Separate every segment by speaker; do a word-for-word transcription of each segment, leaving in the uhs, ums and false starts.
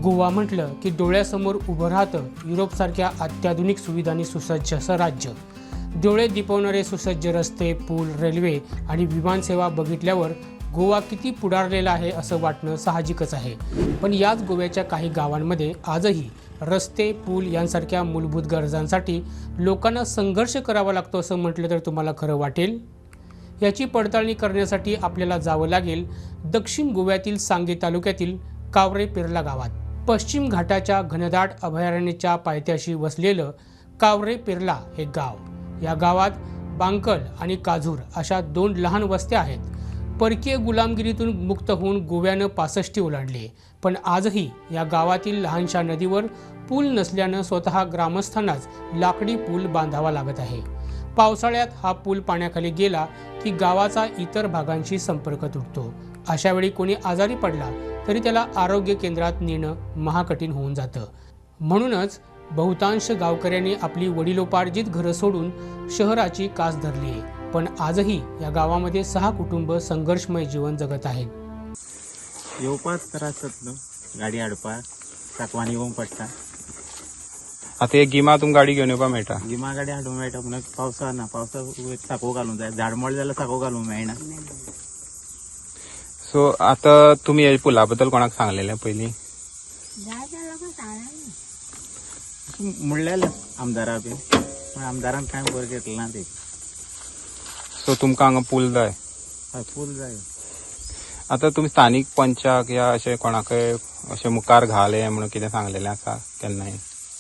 Speaker 1: गोवा म्हटलं की डोळ्यासमोर उभं राहतं युरोपसारख्या अत्याधुनिक सुविधांनी सुसज्ज असं राज्य। डोळे दिपवणारे सुसज्ज रस्ते, पूल, रेल्वे आणि विमानसेवा बघितल्यावर गोवा किती पुढारलेला आहे असं वाटणं साहजिकच आहे। पण याच गोव्याच्या काही गावांमध्ये आजही रस्ते, पूल यांसारख्या मूलभूत गरजांसाठी लोकांना संघर्ष करावा लागतो असं म्हटलं तर तुम्हाला खरं वाटेल? याची पडताळणी करण्यासाठी आपल्याला जावं लागेल दक्षिण गोव्यातील सांगे तालुक्यातील कावरे पेरला गावात। पश्चिम घाटाच्या घनदाट अभयारण्याच्या पायथ्याशी वसलेलं कावरे पेरला हे गाव। या गावात बांकल आणि काझूर अशा दोन लहान वस्त्या आहेत। परकीय गुलामगिरीतून मुक्त होऊन गोव्यानं पासष्टी ओलांडली, पण आजही या गावातील लहानशा नदीवर पूल नसल्यानं स्वतः ग्रामस्थांनाच लाकडी पूल बांधावा लागत आहे। पावसाळ्यात हा पूल पाण्याखाली गेला की गावाचा इतर भागांशी संपर्क तुटतो। अशा वेळी कोणी आजारी पडला तरी त्याला आरोग्य केंद्रात नेणं महाकठीण होऊन जातं। म्हणूनच बहुतांश गावकऱ्यांनी आपली वडिलोपार्जित घरं सोडून शहराची कास धरली आहे। पण आजही या गावामध्ये सहा कुटुंब संघर्षमय जीवन जगत आहेत।
Speaker 2: येवपाच त्रास जातलो, गाडी हाडपाक साकवान येवंक पडटा।
Speaker 3: आता एक गिमा तुम गाडी घेऊन येवपा मेळटा,
Speaker 2: गिमा गाडी हाडूंक मेळटा पूण पावसा ना, पावसा साको घालूंक जाय, झाड मोड जाल्यार साको घालूंक मेळना।
Speaker 3: सो आता तुम्ही या पुला बद्दल कोणाक सांगलेले पयलीं?
Speaker 2: म्हणलेलें आमदारा बी, पण आमदारान कांय बरें घेतलें ना ते।
Speaker 3: सो तुमकां हांगा पूल जाय?
Speaker 2: हय, पूल जाय।
Speaker 3: आता तुम्ही स्थानिक पंचाक या अशें कोणाकय अशें मुखार घाले म्हणून कितें सांगलेलें आसा केन्नाय?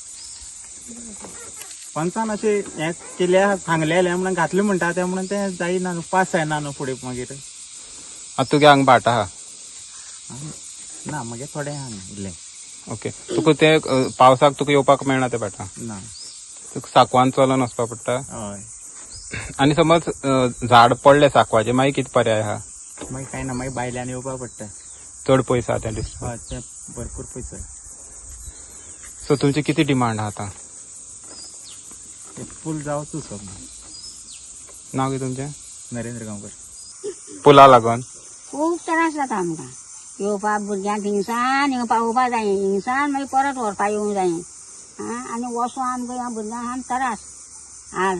Speaker 2: पंचान अशें हें केल्या सांगलेलें म्हणून घातलें म्हणटा तें म्हणून तें जायना न्हू, पास जायना न्हू फुडें मागीर।
Speaker 3: आता तुगे हांगा भाट आहा?
Speaker 2: ना, मागीर थोडें आहा इल्लें।
Speaker 3: ओके, तुका ते पावसाक तुका येवपाक मेळना ते भाटां?
Speaker 2: ना,
Speaker 3: तुका साकवान चलोन वचपा पडटा?
Speaker 2: हय।
Speaker 3: आनी समज झाड पडलें साकवाचें मागीर कितें पर्याय आहा?
Speaker 2: मागीर कांय ना, मागीर भायल्यान येवपा पडटा।
Speaker 3: चड पयस आहा तें डिस्टन्स?
Speaker 2: हय, तें भरपूर पयस।
Speaker 3: सो तुमची किती डिमांड आहा आतां?
Speaker 2: पूल जावचो सो।
Speaker 3: नांव कितें तुमचें?
Speaker 2: नरेंद्र गांवकर।
Speaker 3: पुला लागून
Speaker 4: खूब त्रास जाता आमकां। येवपाक भुरग्यांक हिंगसान हिंगा पावोवपा जाय, हिंगसान मागीर परत व्हरपा येवंक जाय। आनी वचोन आमकां ह्या भुरग्यांक आम त्रास हाड।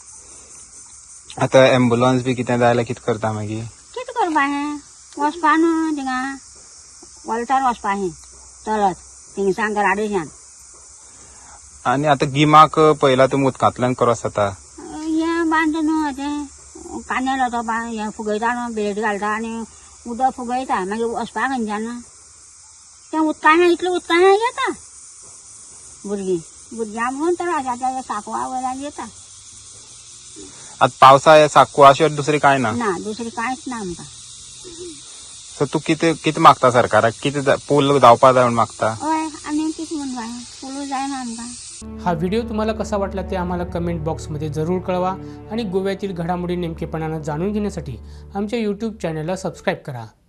Speaker 3: आतां एम्बुलन्स बी कितें जाय जाल्यार कितें करता मागीर?
Speaker 4: कितें करपा हें? वचपा न्हू थिंगा वॉल्तार वचपा हें चलत थिंगसान घराडेच्यान।
Speaker 3: आनी आतां गिमाक पयला तुमी उदकांतल्यान क्रॉस जाता?
Speaker 4: हें बांद न्हू तें कानेल तो हें फुगयता न्हू, बेड घालता आनी उदक फुगयता, मागीर वचपाक खंयच्यान? तें उदका इतलें उदका येता भुरगीं भुरग्यां म्हणून त्रास जाता, साकवा वयल्यान येता।
Speaker 3: आतां पावसा हे साकवा अशें दुसरें कांय ना?
Speaker 4: ना, दुसरें कांयच ना आमकां।
Speaker 3: सो तूं कितें कितें मागता सरकाराक? कितें पूल जावपा जाय म्हूण मागता?
Speaker 4: हय, आनी कितें म्हणून जाय, पूल जायना आमकां।
Speaker 1: हा व्हिडिओ तुम्हाला कसा वाटला ते आम्हाला कमेंट बॉक्समध्ये जरूर कळवा आणि गोव्यातील घडामोडी नेमकेपणानं जाणून घेण्यासाठी आमच्या यूट्यूब चॅनलला सबस्क्राईब करा।